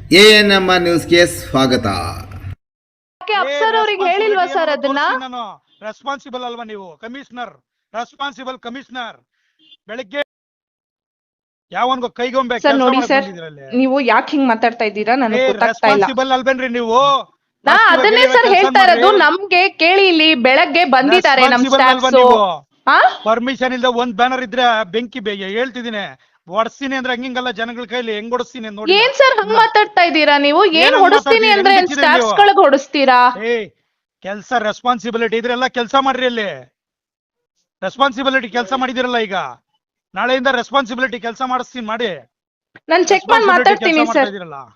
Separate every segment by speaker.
Speaker 1: ANMR ನ್ಯೂಸ್ಗೆ ಸ್ವಾಗತ.
Speaker 2: ಅಫ್ಸರ್ ಅವರಿಗೆ ಹೇಳಿಲ್ವಾ ಸರ್ ಅದನ್ನ?
Speaker 3: ನಾನು ರೆಸ್ಪಾನ್ಸಿಬಲ್ ಅಲ್ವಾ ನೀವು? Commissioner, responsible commissioner. ಬೆಳಿಗ್ಗೆ ಯಾವನ್ಗೋ ಕೈಗೊಂಬೆ
Speaker 2: ಸರ್ ನೋಡಿ ಸರ್, ನೀವು ಯಾಕೆ ಹಿಂಗ್ ಮಾತಾಡ್ತಾ ಇದ್ದೀರಾ ನನಗೆ ಗೊತ್ತಾಗ್ತಾ ಇಲ್ಲ.
Speaker 3: ರೆಸ್ಪಾನ್ಸಿಬಲ್ ಅಲ್ವೇನ್ರಿ ನೀವು?
Speaker 2: ನಾ ಅದನ್ನೇ ಸರ್ ಹೇಳ್ತಾ ಇರೋದು. ನಮ್ಗೆ ಕೇಳಿ, ಇಲ್ಲಿ ಬೆಳಗ್ಗೆ ಬಂದಿದ್ದಾರೆ ನಮ್ ಸ್ಟಾಫ್ಸ್.
Speaker 3: ಪರ್ಮಿಷನ್ ಇಲ್ಲದ ಒಂದ್ ಬ್ಯಾನರ್ ಇದ್ರೆ ಬೆಂಕಿ ಹೇಳ್ತಿದ್ದೀನಿ, ಹೊಡ್ಸ್ತೀನಿ ಅಂದ್ರೆ ಹಂಗಿಂಗಲ್ಲ, ಜನಗಳ ಕೈಲಿ ಹೆಂಗ್ ಹೊಡಿಸ್ತೀನಿ ನೋಡಿ.
Speaker 2: ಏನ್ ಸರ್ ಹಂಗ್ ಮಾತಾಡ್ತಾ ಇದ್ದೀರಾ ನೀವು? ಏನ್ ಹೊಡಿಸ್ತೀನಿ ಅಂದ್ರೆ ಸ್ಟಾಫ್ಸ್ ಗಳಿಗೆ ಹೊಡಿಸ್ತೀರಾ?
Speaker 3: ಕೆಲ್ಸ ರೆಸ್ಪಾನ್ಸಿಬಿಲಿಟಿ ಇದ್ರೆಲ್ಲ ಕೆಲಸ ಮಾಡ್ರಿ. ಅಲ್ಲಿ ರೆಸ್ಪಾನ್ಸಿಬಿಲಿಟಿ ಕೆಲಸ ಮಾಡಿದಿರಲ್ಲ, ಈಗ ನಾಳೆಯಿಂದ ರೆಸ್ಪಾನ್ಸಿಬಿಲಿಟಿ ಕೆಲಸ ಮಾಡಿಸ್ತೀನಿ ಮಾಡಿ.
Speaker 2: ನಾನು ಚೆಕ್ ಮಾಡಿ ಮಾತಾಡ್ತೀನಿ ಸರ್.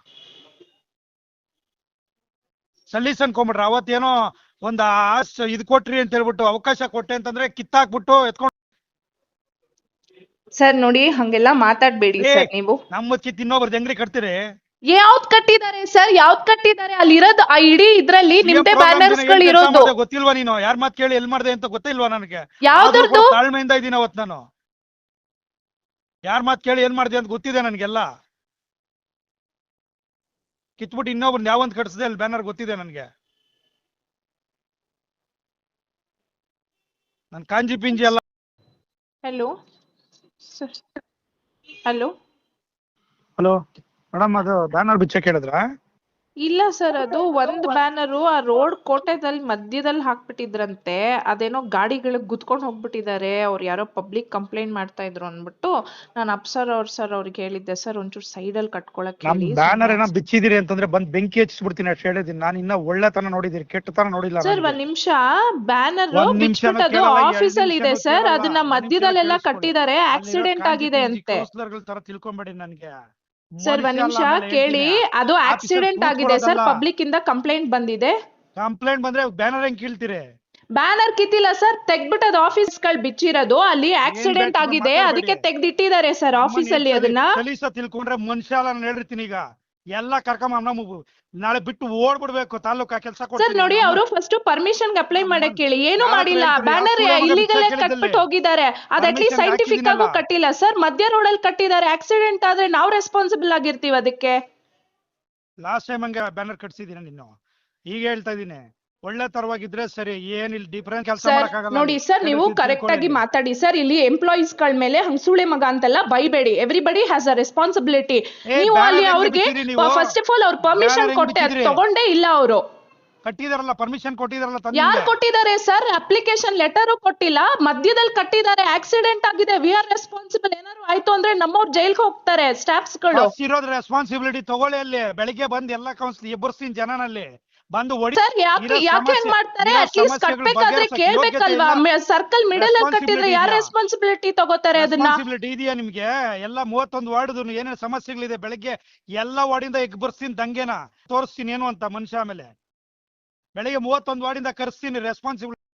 Speaker 3: ಸಲೀಸ್ ಅನ್ಕೊಂಬಿಟ್ರೆ ಅವತ್ತೇನೋ ಒಂದ್ ಇದ್ ಕೊಟ್ರಿ ಅಂತ ಹೇಳ್ಬಿಟ್ಟು, ಅವಕಾಶ ಕೊಟ್ಟೆ ಅಂತಂದ್ರೆ ಕಿತ್ತಾಕ್ಬಿಟ್ಟು ಎತ್ಕೊಂಡು.
Speaker 2: ಸರ್ ನೋಡಿ, ಹಂಗೆಲ್ಲ ಮಾತಾಡ್ಬೇಡಿ ಸರ್ ನೀವು.
Speaker 3: ನಮ್ಮ ಕಿತ್ ಇನ್ನೊಬ್ರದ್ದು ಹೆಂಗ್ರಿ ಕಟ್ತೀರಿ?
Speaker 2: ಯಾವ್ದ್ ಕಟ್ಟಿದ್ದಾರೆ ಸರ್? ಯಾವ್ದ್ ಕಟ್ಟಿದ್ದಾರೆ? ಅಲ್ಲಿರೋದು ಆ ಇಡೀ ಇದ್ರಲ್ಲಿ ನಿಮ್ದೇ ಬ್ಯಾನರ್ಸ್ ಗಳು ಇರೋದು.
Speaker 3: ಗೊತ್ತಿಲ್ವಾ ನೀನು? ಯಾರ್ ಮಾತ್ ಕೇಳಿ ಎಲ್ ಮಾಡ್ದೆ ಅಂತ ಗೊತ್ತಿಲ್ವಾ ನನಗೆ?
Speaker 2: ಯಾವ್ದು
Speaker 3: ತಾಳ್ಮೆಯಿಂದ ಇದೀನಿ ಅವತ್ ನಾನು. ಯಾರ್ ಮಾತ್ ಕೇಳಿ ಏನ್ ಮಾಡ್ದೆ ಅಂತ ಗೊತ್ತಿದೆ ನನ್ಗೆಲ್ಲ. ಕಿತ್ಬಿಟ್ಟು ಇನ್ನೊಬ್ರು ಯಾವಂತ ಕಟ್ಸಿದೆ ಅಲ್ಲಿ ಬ್ಯಾನರ್ ಗೊತ್ತಿದೆ ನನ್ಗೆ. ನನ್ ಕಾಂಜಿ ಪಿಂಜಿ ಎಲ್ಲ.
Speaker 2: ಹಲೋ ಹಲೋ
Speaker 3: ಹಲೋ ಮೇಡಮ್, ಅದು ಬ್ಯಾನರ್ ಬಿಚ್ಚ ಕೇಳಿದ್ರ?
Speaker 2: ಇಲ್ಲ ಸರ್, ಅದು ಒಂದ್ ಬ್ಯಾನರು ಆ ರೋಡ್ ಕೋಟೆದಲ್ಲಿ ಮಧ್ಯದಲ್ಲಿ ಹಾಕ್ಬಿಟ್ಟಿದ್ರಂತೆ. ಅದೇನೋ ಗಾಡಿಗಳಿಗೆ ಗುದ್ಕೊಂಡ್ ಹೋಗ್ಬಿಟ್ಟಿದ್ದಾರೆ. ಅವ್ರು ಯಾರೋ ಪಬ್ಲಿಕ್ ಕಂಪ್ಲೇಂಟ್ ಮಾಡ್ತಾ ಇದ್ರು ಅನ್ಬಿಟ್ಟು ನಾನು ಅಪ್ಸರ್ ಅವ್ರಿಗೆ ಹೇಳಿದ್ದೆ, ಸರ್ ಒಂಚೂರು ಸೈಡ್ ಅಲ್ಲಿ ಕಟ್ಕೊಳಕ್ ಹೇಳಿ.
Speaker 3: ಬ್ಯಾನರ್ ಏನೋ ಬಿಚ್ಚಿದಿರಿ ಅಂತಂದ್ರೆ ಬಂದ್ ಬೆಂಕಿ ಹಚ್ಚಿಬಿಡ್ತೀನಿ ಅಷ್ಟು ಹೇಳಿದೀನಿ. ನಾನು ಇನ್ನ ಒಳ್ಳೆತನ ನೋಡಿದಿರಿ, ಕೆಟ್ಟತನ ನೋಡಿಲ್ಲ
Speaker 2: ಸರ್. ಒಂದ್ ನಿಮಿಷ, ಬ್ಯಾನರ್ ಬಿಚ್ಬಿಟ್ಟದು ಆಫೀಸ್ ಅಲ್ಲಿ ಇದೆ ಸರ್. ಅದನ್ನ ಮಧ್ಯದಲ್ಲೆಲ್ಲ ಕಟ್ಟಿದ್ದಾರೆ, ಆಕ್ಸಿಡೆಂಟ್ ಆಗಿದೆ ಅಂತೆ.
Speaker 3: ತರ ತಿಳ್ಕೊಂಬೇಡಿ ನನ್ಗೆ.
Speaker 2: ಸರ್ ಒಂದ್ ನಿಮಿಷ ಕೇಳಿ, ಅದು ಆಕ್ಸಿಡೆಂಟ್ ಆಗಿದೆ ಸರ್. ಪಬ್ಲಿಕ್ ಇಂದ ಕಂಪ್ಲೇಂಟ್ ಬಂದಿದೆ.
Speaker 3: ಕಂಪ್ಲೇಂಟ್ ಬಂದ್ರೆ ಬ್ಯಾನರ್ ಹೆಂಗ್ ಕೀಳ್ತೀರಿ?
Speaker 2: ಬ್ಯಾನರ್ ಕಿತ್ತಿಲ್ಲ ಸರ್, ತೆಗ್ಬಿಟ್ಟು ಅದು ಆಫೀಸ್ ಗಳು ಬಿಚ್ಚಿರೋದು. ಅಲ್ಲಿ ಆಕ್ಸಿಡೆಂಟ್ ಆಗಿದೆ, ಅದಕ್ಕೆ ತೆಗ್ದಿಟ್ಟಿದ್ದಾರೆ ಸರ್ ಆಫೀಸ್ ಅಲ್ಲಿ. ಅದನ್ನ
Speaker 3: ಕಲೀಸ ತಿಳ್ಕೊಂಡ್ರೆ ಮನುಷ್ಯ ನಾನು ಹೇಳಿರ್ತೀನಿ. ಈಗ ಎಲ್ಲ ಕರ್ಕೊಂಡ್ ನಾಳೆ ಬಿಟ್ಟು ಓಡ್ಬಿಡ್ಬೇಕು ತಾಲೂಕಾ ಕೆಲಸ.
Speaker 2: ಸರ್ ನೋಡಿ, ಅವರು ಫಸ್ಟ್ ಪರ್ಮಿಷನ್ ಅಪ್ಲೈ ಮಾಡಕ್ ಕೇಳಿ. ಏನು ಮಾಡಿಲ್ಲ, ಬ್ಯಾನರ್ ಇಲ್ಲಿಗಲ್ ಕಟ್ಬಿಟ್ಟು ಹೋಗಿದ್ದಾರೆ. ಅದ್ ಅಟ್ಲೀಸ್ಟ್ ಸೈಂಟಿಫಿಕ್ ಆಗು ಕಟ್ಟಿಲ್ಲ ಸರ್. ಮಧ್ಯ ರೋಡ್ ಅಲ್ಲಿ ಕಟ್ಟಿದ್ದಾರೆ. ಆಕ್ಸಿಡೆಂಟ್ ಆದ್ರೆ ನಾವು ರೆಸ್ಪಾನ್ಸಿಬಲ್ ಆಗಿರ್ತೀವಿ ಅದಕ್ಕೆ.
Speaker 3: ಲಾಸ್ಟ್ ಟೈಮ್ ಹಂಗ ಬ್ಯಾನರ್ ಕಟ್ಸಿದೀನಿ ನೀನು, ಈಗ ಹೇಳ್ತಾ ಇದೀನಿ. ಒಳ್ಳೆ ತರವಾಗಿದ್ರೆ ಸರಿ, ಏನಿಲ್ಲ ಡಿಫರೆಂಟ್ ಕೆಲಸ ಮಾಡಕ್ಕಾಗಲ್ಲ.
Speaker 2: ನೋಡಿ ಸರ್, ನೀವು ಕರೆಕ್ಟ್ ಆಗಿ ಮಾತಾಡಿ ಸರ್. ಇಲ್ಲಿ ಎಂಪ್ಲಾಯೀಸ್ ಗಳ ಮೇಲೆ ಹಂಗ್ ಸುಳೆ ಮಗ ಅಂತೆಲ್ಲ ಬೈಬೇಡಿ. Everybody has a responsibility. ನೀವು ಅಲ್ಲಿ ಅವ್ರಿಗೆ ಫಸ್ಟ್ ಆಫ್ ಆಲ್ ಅವ್ರ ಪರ್ಮಿಷನ್ ಕೊಟ್ಟೆ, ತಗೊಂಡೇ ಇಲ್ಲ ಅವರು.
Speaker 3: ಕಟ್ಟಿದಾರಲ್ಲ, ಪರ್ಮಿಷನ್ ಕೊಟ್ಟಿದಾರಲ್ಲ.
Speaker 2: ಯಾರು ಕೊಟ್ಟಿದ್ದಾರೆ ಸರ್? ಅಪ್ಲಿಕೇಶನ್ ಲೆಟರ್ ಕೊಟ್ಟಿಲ್ಲ, ಮಧ್ಯದಲ್ಲಿ ಕಟ್ಟಿದ್ದಾರೆ. ಆಕ್ಸಿಡೆಂಟ್ ಆಗಿದೆ, ವಿ ಆರ್ ರೆಸ್ಪಾನ್ಸಿಬಲ್. ಏನಾದ್ರು ಆಯ್ತು ಅಂದ್ರೆ ನಮ್ಮವ್ರು ಜೈಲ್ಗೆ ಹೋಗ್ತಾರೆ ಸ್ಟಾಫ್ಸ್ ಗಳು.
Speaker 3: ಇರೋದ್ ರೆಸ್ಪಾನ್ಸಿಬಿಲಿಟಿ ತಗೊಳ್ಳಿ. ಅಲ್ಲಿ ಬೆಳಿಗ್ಗೆ ಬಂದ್ ಎಲ್ಲ ಕೌನ್ಸಿಲ್ ಎಬ್ಬರ್ಸ್ತೀನಿ ಜನನಲ್ಲಿ ಬಂದು
Speaker 2: ಸರ್. ಯಾಕೆ ಮಾಡ್ತಾರೆ? ಅಟ್ಲೀಸ್ಟ್ ಕಟ್ಬೇಕಾದ್ರೆ ಕೇಳ್ಬೇಕಲ್ವಾ? ಸರ್ಕಲ್ ಮಿಡಲ್ ಅಲ್ಲಿ ಕಟ್ಟಿದ್ರೆ ಯಾರು ರೆಸ್ಪಾನ್ಸಿಬಿಲಿಟಿ ತಗೋತಾರೆ? ಅದನ್ನ
Speaker 3: ಇದೆಯಾ ನಿಮ್ಗೆ? ಎಲ್ಲ 31 ವಾರ್ಡ್ ಏನೇನು ಸಮಸ್ಯೆಗಳಿದೆ, ಬೆಳಿಗ್ಗೆ ಎಲ್ಲ ವಾರ್ಡಿಂದ ಎಬ್ಬರ್ಸ್ತೀನಿ, ದಂಗೆನ ತೋರಿಸ್ತೀನಿ ಏನು ಅಂತ ಮನುಷ್ಯ. ಆಮೇಲೆ ಬೆಳಿಗ್ಗೆ 31 ವಾರ್ಡಿಂದ ಕರ್ಸ್ತೀನಿ ರೆಸ್ಪಾನ್ಸಿಬಿಲಿಟಿ.